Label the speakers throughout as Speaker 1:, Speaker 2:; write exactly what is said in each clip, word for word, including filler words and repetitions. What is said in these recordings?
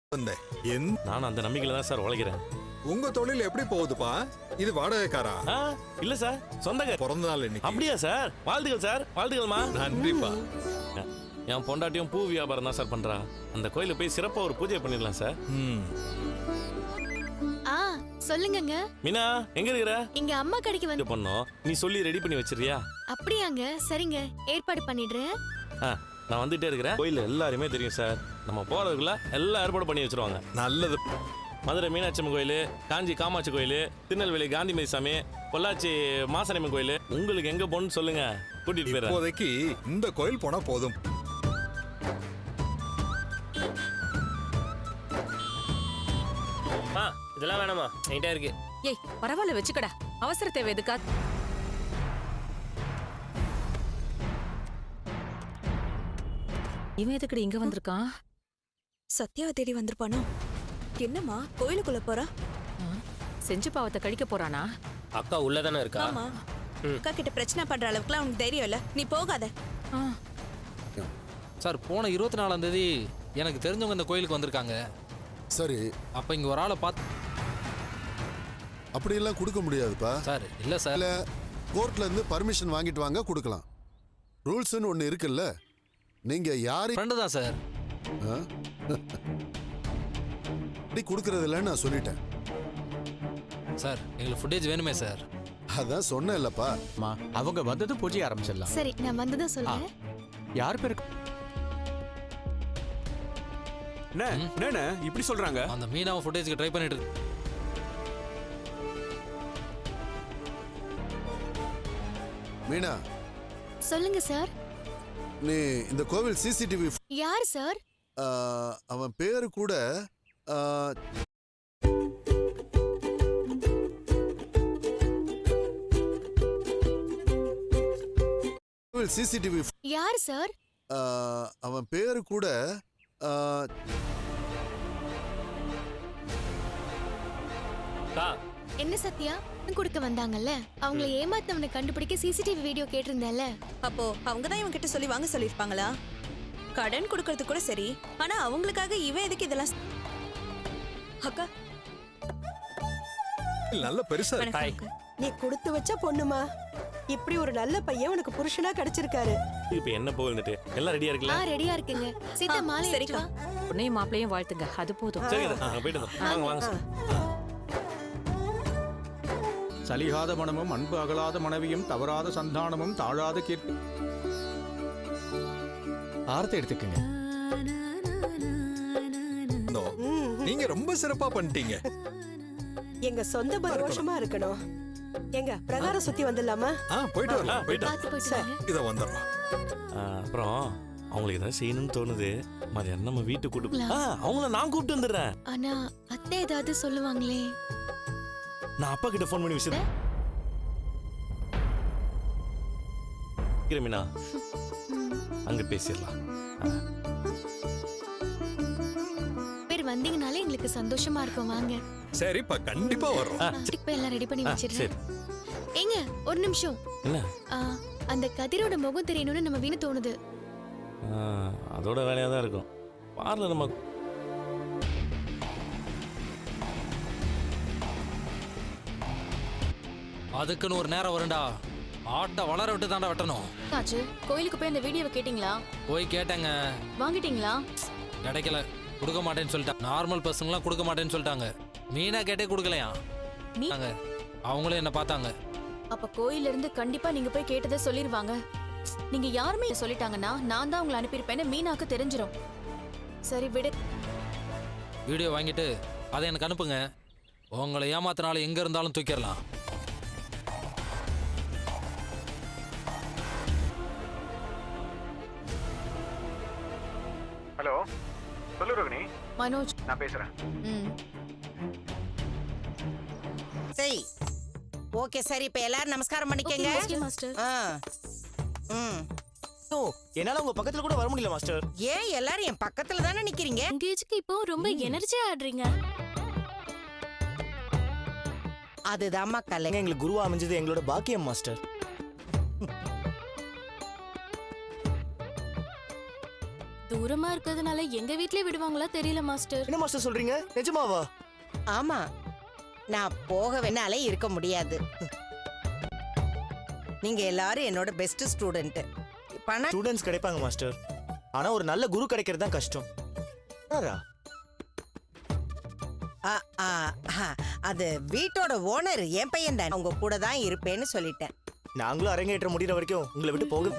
Speaker 1: நான் அந்த நம்பிக்கையில தான் சார் உழைக்கிறேன்.
Speaker 2: உங்க தொழில் எப்படி போகுதுப்பா? இது வாடகைக்காரா?
Speaker 1: இல்ல சார், சொந்தக்கார.
Speaker 2: பிறந்த நாள் இன்னைக்கு.
Speaker 1: அப்படியா சார்? வாழ்த்துக்கள் சார், வாழ்த்துக்கள்மா.
Speaker 2: நன்றிப்பா.
Speaker 1: என் பொண்டாட்டியும் பூ வியாபாரம் தான் சார் பண்றா. அந்த கோயில போய் சிறப்பா ஒரு பூஜை பண்ணிடலாம் சார்.
Speaker 3: ஆ சொல்லுங்கங்க.
Speaker 1: மீனா எங்க இருக்கிற?
Speaker 3: இங்க அம்மா கடைக்கு வந்து
Speaker 1: பண்ணோம். நீ சொல்லி ரெடி பண்ணி வச்சிரியா?
Speaker 3: அப்படியாங்க, சரிங்க, ஏற்பாடு பண்ணிடுறேன்.
Speaker 1: நான் வந்துட்டே இருக்கிறேன். கோயில் எல்லாருமே தெரியும் சார். நம்ம போறதுக்குள்ள எல்லாம் ஏற்பாடு பண்ணி வச்சிருவாங்க.
Speaker 2: நல்லது.
Speaker 1: மதுரை மீனாட்சி அம்மன் கோயில், காஞ்சி காமாட்சி கோயில், திருநெல்வேலி காந்திமதி சாமி, பொள்ளாச்சி மாசனியம்மன் கோயில், உங்களுக்கு எங்க போகணும்னு சொல்லுங்க, கூட்டிட்டு போயிடுறேன்.
Speaker 2: இப்போதைக்கு இந்த கோயில் போனா போதும்.
Speaker 4: இதெல்லாம் வேணாமா, என்கிட்ட இருக்கு.
Speaker 5: ஏய் பரவாயில்ல, வச்சுக்கடா, அவசர தேவை எதுக்கா? இவன் எதுக்கடி இங்க வந்திருக்கான்?
Speaker 6: சத்யாவை தேடி வந்திருப்பானோ? என்னம்மா கோயிலுக்குள்ள போறா?
Speaker 5: செஞ்சு பாவத்தை கழிக்க போறானா?
Speaker 4: அக்கா உள்ளதானே இருக்கா?
Speaker 6: ஆமா. அக்கா கிட்ட பிரச்சனை பண்ற அளவுக்குலாம் உனக்கு தைரியம் இல்ல, நீ போகாத.
Speaker 7: சார், போன இருபத்தி நாலாம் தேதி எனக்கு தெரிஞ்சவங்க இந்த கோயிலுக்கு வந்திருக்காங்க.
Speaker 8: சரி,
Speaker 7: அப்ப இங்க ஒரு ஆளை பார்த்து
Speaker 8: அப்படியெல்லாம் கொடுக்க முடியாதுப்பா
Speaker 7: சார். இல்ல சார்,
Speaker 8: இல்ல கோர்ட்ல இருந்து பர்மிஷன் வாங்கிட்டு வாங்க, கொடுக்கலாம். ரூல்ஸ்னு ஒன்னு இருக்குல்ல. நீங்க யாரு?
Speaker 7: ஃப்ரெண்டு தான் சார்.
Speaker 8: அப்படி கொடுக்கறது இல்லைன்னு நான் சொல்லிட்டேன்
Speaker 7: சார். எங்களுக்கு ஃபுட்டேஜ் வேணுமே சார்.
Speaker 8: அதான் சொன்னேன் இல்லப்பா.
Speaker 9: அவங்க வந்தது பூஜை ஆரம்பிச்சிடலாம்.
Speaker 3: சரி, நான் வந்ததும் சொல்றேன்.
Speaker 9: யார் பேருக்கு என்ன இப்படி சொல்றாங்க?
Speaker 7: அந்த மீனாவை ஃபுட்டேஜ்க்கு ட்ரை பண்ணிட்டு இருக்கு.
Speaker 8: மீனா,
Speaker 3: சொல்லுங்க சார்.
Speaker 8: நீ இந்த கோவில் சிசிடிவி.
Speaker 3: யார் சார்?
Speaker 8: அவன் பேரு கூட சிசிடிவி.
Speaker 3: யார் சார்?
Speaker 8: அவன் பேரு கூட
Speaker 3: என்ன சத்யா கொடுக்க வந்தாங்கல்ல, அவங்கள ஏமாத்தவனை கண்டுபிடிக்க சிசிடிவி வீடியோ கேட்டிருந்தேன்ல.
Speaker 6: அப்போ அவங்க தான் இவன் கிட்ட சொல்லி வாங்க சொல்லிருப்பாங்களா? கடன் கொடுக்கறது கூட சரி, ஆனா அவங்களுக்காக இவன் எதுக்கு இதெல்லாம்? அக்கா
Speaker 2: நல்ல பெருசா
Speaker 6: இருக்கு.
Speaker 10: நீ கொடுத்து வச்ச பொண்ணுமா, இப்படி ஒரு நல்ல பையன் உனக்கு புருஷனா கிடைச்சிருக்காரு.
Speaker 1: இப்போ என்ன போகுதுன்னு எல்லாம் ரெடியா இருக்குல்ல?
Speaker 3: ஆ ரெடியா இருக்குங்க. சீதா மாலை
Speaker 6: சரிக்கா.
Speaker 5: உன்னையும் மாப்பிளையும் வாழ்த்துங்க, அது போதும்.
Speaker 1: சரிங்க, நான் போயிட்டு வாங்க வாங்க.
Speaker 9: சலிகாத மனமும் அன்பு அகலாத மனைவியும் தவறாத சந்தானமும் தாழாத கீர்த்தி. ஆர்த்தி எடுத்துக்கங்க.
Speaker 2: நீங்க ரொம்ப சிறப்பா பண்ணிட்டீங்க.
Speaker 10: எங்க சொந்த பரோஷமா இருக்கணும். எங்க பிரகாரம் சுத்தி வந்துடலாமா?
Speaker 2: போயிட்டு வரலாம்.
Speaker 3: போயிட்டு
Speaker 2: இத வந்துடுறோம்.
Speaker 1: அப்புறம் அவங்களுக்கு ஏதாவது செய்யணும்னு தோணுது. மதியம் நம்ம வீட்டுக்கு கூட்டு அவங்கள நான் கூப்பிட்டு வந்துடுறேன்.
Speaker 3: ஆனா அத்தை ஏதாவது சொல்லுவாங்களே.
Speaker 1: நான் அப்பா கிட்ட ஃபோன் பண்ணி விஷயம் மீனா அங்க பேசிடலாம்.
Speaker 3: பேர் வந்தீங்கனாலே எங்களுக்கு சந்தோஷமா இருக்கும். வாங்க.
Speaker 2: சரிப்பா, கண்டிப்பா வரோம்.
Speaker 3: போய் எல்லாம் ரெடி பண்ணி வச்சிடுறேன். ஏங்க ஒரு நிமிஷம்.
Speaker 1: என்ன?
Speaker 3: அந்த கதிரோட முகம் தெரியணும்னு நம்ம வீணு தோணுது.
Speaker 1: அதோட வேலையா தான் இருக்கும். பார்ல நம்ம
Speaker 7: அதுக்குன்னு ஒரு நேரம் வரும்டா. ஆட்ட வளர விட்டு தாண்டா வெட்டணும்.
Speaker 11: ஆச்சு, கோயிலுக்கு போய் அந்த வீடியோவை கேட்டிங்களா?
Speaker 7: போய் கேட்டேங்க.
Speaker 11: வாங்கிட்டீங்களா?
Speaker 7: கிடைக்கல, கொடுக்க மாட்டேன்னு சொல்லிட்டாங்க. நார்மல் பர்சன்லாம் கொடுக்க மாட்டேன்னு சொல்லிட்டாங்க. மீனா கேட்டே கொடுக்கலையா? அவங்களே என்ன பார்த்தாங்க.
Speaker 11: அப்ப கோயில்ல இருந்து கண்டிப்பா நீங்க போய் கேட்டதை சொல்லிருவாங்க. நீங்க யாருமே சொல்லிட்டாங்கன்னா நான் தான் உங்களை அனுப்பியிருப்பேன்னு மீனாக்கு தெரிஞ்சிடும். சரி விடு.
Speaker 7: வீடியோ வாங்கிட்டு அதை எனக்கு அனுப்புங்க. உங்களை ஏமாத்தினாலும் எங்க இருந்தாலும் தூக்கிடலாம்.
Speaker 12: ஹலோ, சொல்லு ரோகிணி.
Speaker 11: மனோஜ்
Speaker 12: நான் பேசுறேன்.
Speaker 13: சரி, ஓகே. சரி, இப்ப எல்லாரும் நமஸ்காரம் பண்ணிக்கங்க.
Speaker 11: மாஸ்டர்.
Speaker 13: ம்.
Speaker 4: ஓ, என்னால உங்க பக்கத்துல கூட வர முடியல மாஸ்டர்.
Speaker 13: ஏன் எல்லாரும் என் பக்கத்துல தானே நிக்கிறீங்க?
Speaker 11: எங்கேஜுக்கு இப்போ ரொம்ப எனர்ஜியா ஆடுறீங்க.
Speaker 13: அதுதான்மா கலை.
Speaker 4: எங்களுக்கு குருவா அமைஞ்சது எங்களோட பாக்கியம் மாஸ்டர்.
Speaker 11: தூரமா இருக்கிறதுனால எங்க வீட்லயே விடுவாங்களா தெரியல மாஸ்டர்.
Speaker 4: என்ன மாஸ்டர் சொல்றீங்க? நிஜமாவா?
Speaker 13: ஆமா, நான் போக வேணாலே இருக்க முடியாது. நீங்க எல்லாரும் என்னோட பெஸ்ட் ஸ்டூடெண்ட். பணம்
Speaker 4: ஸ்டூடெண்ட்ஸ் கிடைப்பாங்க மாஸ்டர். ஆனா ஒரு நல்ல குரு கிடைக்கிறது தான் கஷ்டம். ஆரா.
Speaker 13: ஆ, ஆ, ஆ, அது வீட்டோட ஓனர் என் பையன் தான். உங்க கூட தான் இருப்பேன்னு சொல்லிட்டேன்.
Speaker 4: நாங்களும் அரங்கேற்ற முடிகிற வரைக்கும் உங்களை விட்டு போக.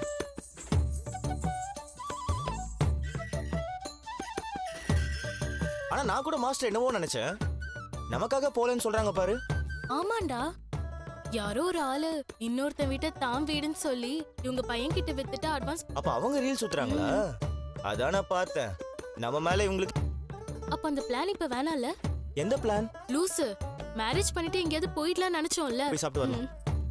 Speaker 4: ஆனா நான் கூட மாஸ்டர் என்னவோ நினைச்சேன். நமக்காக போலன்னு சொல்றாங்க பாரு.
Speaker 11: ஆமாண்டா, யாரோ ஒரு ஆளு இன்னொருத்தன் வீட்டை தாம் வீடுன்னு சொல்லி இவங்க பையன் கிட்ட வித்துட்டு அட்வான்ஸ்.
Speaker 4: அப்ப அவங்க ரீல் சுத்துறாங்களா? அதான் நான் பார்த்தேன். நம்ம மேல இவங்களுக்கு.
Speaker 11: அப்ப அந்த பிளான் இப்ப வேணாம்ல?
Speaker 4: எந்த பிளான்?
Speaker 11: லூசு, மேரேஜ் பண்ணிட்டு எங்கேயாவது போயிடலாம் நினைச்சோம்ல.
Speaker 4: போய் சாப்பிட்டு வரலாம்.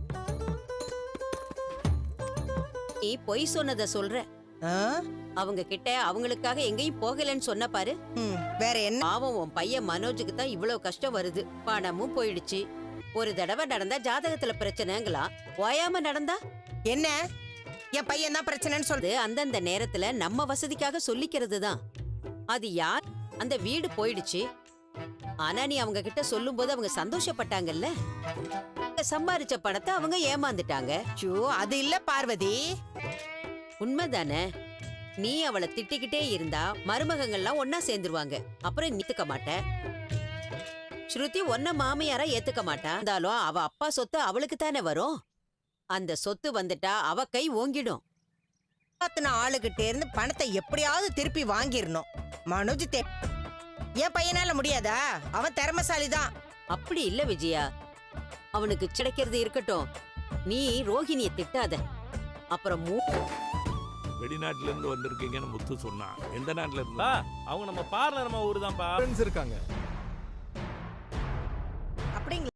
Speaker 13: நீ பொய் சொன்னத சொல்ற. அவங்க கிட்ட அவங்களுக்காக எங்கேயும் போகலன்னு சொன்ன பாரு. வேற என்ன? பாவம், உன் பையன் மனோஜுக்கு தான் இவ்வளவு கஷ்டம் வருது. பணமும் போயிடுச்சு. ஒரு தடவை நடந்தா ஜாதகத்துல பிரச்சனைங்களா, ஓயாம நடந்தா என்ன? என் பையன் தான் பிரச்சனைன்னு சொல்றது அந்தந்த நேரத்துல நம்ம வசதிக்காக சொல்லிக்கிறது தான். அது யார்? அந்த வீடு போயிடுச்சு. ஆனா நீ அவங்க கிட்ட சொல்லும் போது அவங்க சந்தோஷப்பட்டாங்கல்ல. சம்பாரிச்ச பணத்தை அவங்க ஏமாந்துட்டாங்க. அது இல்ல பார்வதி, உண்மைதானே? நீ அவளை திட்டிக்கிட்டே இருந்தா மருமகங்கள்லாம் ஒன்னா சேர்ந்துருவாங்க. அப்புறம் நீத்துக்க மாட்ட. ஸ்ருதி ஒன்ன மாமியாரா ஏத்துக்க மாட்டா. இருந்தாலும் அவ அப்பா சொத்து அவளுக்கு தானே வரும். அந்த சொத்து வந்துட்டா அவ கை ஓங்கிடும். ஆளுகிட்ட இருந்து பணத்தை எப்படியாவது திருப்பி வாங்கிடணும். மனோஜ் என் பையனால முடியாதா? அவன் திறமசாலிதான். அப்படி இல்ல விஜயா, அவனுக்கு கிடைக்கிறது இருக்கட்டும். நீ ரோஹிணிய திட்டாத. அப்புறம்
Speaker 1: வெளிநாட்டுல இருந்து வந்திருக்கீங்கன்னு முத்து சொன்னான். எந்த நாட்டுல இருந்தா? அவங்க நம்ம பார்லர் நம்ம ஊரு தான்ப்பா.
Speaker 2: இருக்காங்க.
Speaker 13: அப்படிங்களா?